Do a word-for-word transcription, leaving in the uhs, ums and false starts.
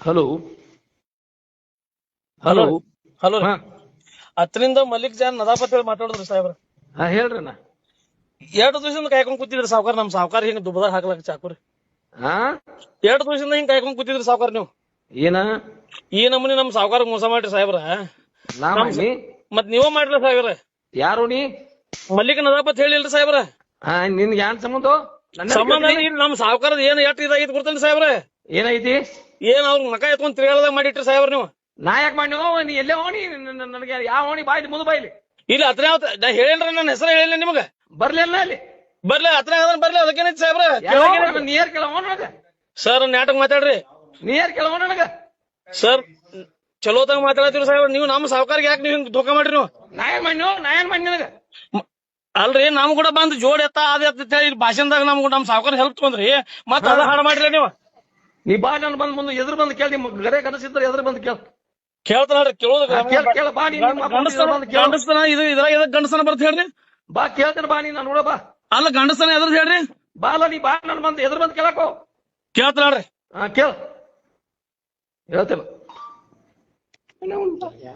Hello hello hello ಹಾ ಹತ್ತರಿಂದ Malik John ನದಾಪತ್ ಹೇಳಿ ಮಾತಾಡಿದ್ರಿ ಸಾಹೇಬ್ರ. ಹಾ ಹೇಳ್ರಿ ಅಣ್ಣ. ಎರಡು ದಿವಸದಿಂದ ಕಾಯ್ಕೊಂಡ್ ಕೂತಿದ್ರಿ ಸಾವ್ಕಾರ. ನಮ್ ಸಾವ್ಕಾರ ಹಿಂಗ್ ದುಬ್ಬದಾಗ ಹಾಕ್ಲಕ್ ಚಾಕುರಿ. ಹಾ ಎರಡು ದಿವಸದಿಂದ ಹಿಂಗ್ ಕಾಯ್ಕೊಂಡ್ ಕೂತಿದ್ರಿ ಸಾವ್ಕಾರ ನೀವು. ಏನ ಈ ನಮೂನಿ ನಮ್ ಸಾವ್ಕಾರ ಮೋಸ ಮಾಡ್ರಿ ಸಾಹೇಬ್ರ. ನಾ ಮಾಡಿ ಮತ್ ನೀವ ಮಾಡ್ರಿ ಸಾಹೇಬ್ರ. ಯಾರು ನೀ ಮಲ್ಲಿಕ್ ನದಾಪತ್ ಹೇಳಿಲ್ರಿ ಸಾಹೇಬ್ರ. ಹಾ ನಿನ್ಗೆ ಏನ್ ಸಂಬಂಧ? ನನ್ನ ಸಂಬಂಧ ಇಲ್ಲ. ನಮ್ ಸಾವ್ಕಾರದ ಏನ್ ಎಟ್ ಇದಾಗಿದ್ ಗೊತ್ತೇನ್ರಿ ಸಾಹೇಬ್ರ? ಏನೈತಿ? ಏನ್ ಅವ್ರ ಮಕ ಎತ್ಕೊಂಡ್ ತಿರ್ಗಾಳದಾಗ ಮಾಡಿಟ್ರಿ ಸಾಹೇಬ್ರ ನೀವು. ನಾ ಯಾಕೆ ಮಾಡಿ ನೀ ಎಲ್ಲೇ ಹೋಣಿ? ನನಗೆ ಯಾವ ಹೋಣಿ ಬಾಯ್ಲಿ ಮುಂದೆ ಬಾಯ್ಲಿ ಇಲ್ಲ ಹತ್ರ ನಾ ಹೇಳೇನ್ರಿ, ನನ್ನ ಹೆಸರು ಹೇಳಿಲ್ಲ ನಿಮಗ. ಬರ್ಲಿಲ್ಲ ಅಲ್ಲಿ ಬರ್ಲಿ ಹತ್ರ ಬರ್ಲಿ ಅದಕ್ಕೇನೈತಿ ಸಾಹೇಬ್ರ? ನೀರ್ ಕೇಳವ ನನಗ ಸರ್ ನಾಟಕ ಮಾತಾಡ್ರಿ. ನೀರ್ ಕೇಳವ ನನಗ ಸರ್ ಚಲೋತಾಗ ಮಾತಾಡ್ತೀರಿ ಸಾಹೇಬ್ರ. ನೀವು ನಮ್ಮ ಸಾವ್ಕಾರ್ಗೆ ಯಾಕೆ ನೀವು ಹಿಂಗ್ ಧೋಕಾ ಮಾಡ್ರಿ ನೀವು? ನಾ ಏನ್ ಮಾಡಿ ನಾ ಏನ್ ಮಾಡಿ ನನಗ? ಅಲ್ರಿ ನಮ್ ಕೂಡ ಬಂದ್ ಜೋಡ್ ಎತ್ತ ಅದ ಎತ್ತ ಹೇಳಿ ಭಾಷಣದಾಗ ನಮ್ ನಮ್ ಸಾವ್ಕಾರ ಹೆಲ್ಪ್ ತಗೊಂಡ್ರಿ ಮತ್ತ ಅದ ಹಾಡ ಮಾಡ್ರಿ ನೀವು. ನೀ ಬಾ ನಾನು ಬಂದ್ ಮುಂದೆ ಎದುರು ಬಂದು ಕೇಳಿ ನಿಮ್ ಗರೆ ಕನಸಿದ್ರೆ ಎದುರು ಬಂದು ಕೇಳ ಕೇಳ್ತಾನ ಕೇಳೋದು ಕೇಳ ಕೇಳ ಬಾ ನೀ ಗಂಡಸ್ತನ ಇದು ಇದ್ರಾಗ ಎದಕ್ ಗಂಡಸ್ತನ ಬರ್ತ ಹೇಳ್ರಿ? ಬಾ ಕೇಳ್ತೇನೆ ಬಾ ನೀ ನಾನು ನೋಡ ಬಾ. ಅಲ್ಲ ಗಂಡಸ್ತನ ಎದ್ರ ಹೇಳ್ರಿ? ಬಾ ಅಲ್ಲ ನೀ ಬಾ ನಾನು ಬಂದು ಎದುರು ಬಂದು ಕೇಳಕೋ. ಕೇಳ್ತಾಳ್ರಿ. ಹಾ ಕೇಳ ಹೇಳ್ತೇನೆ.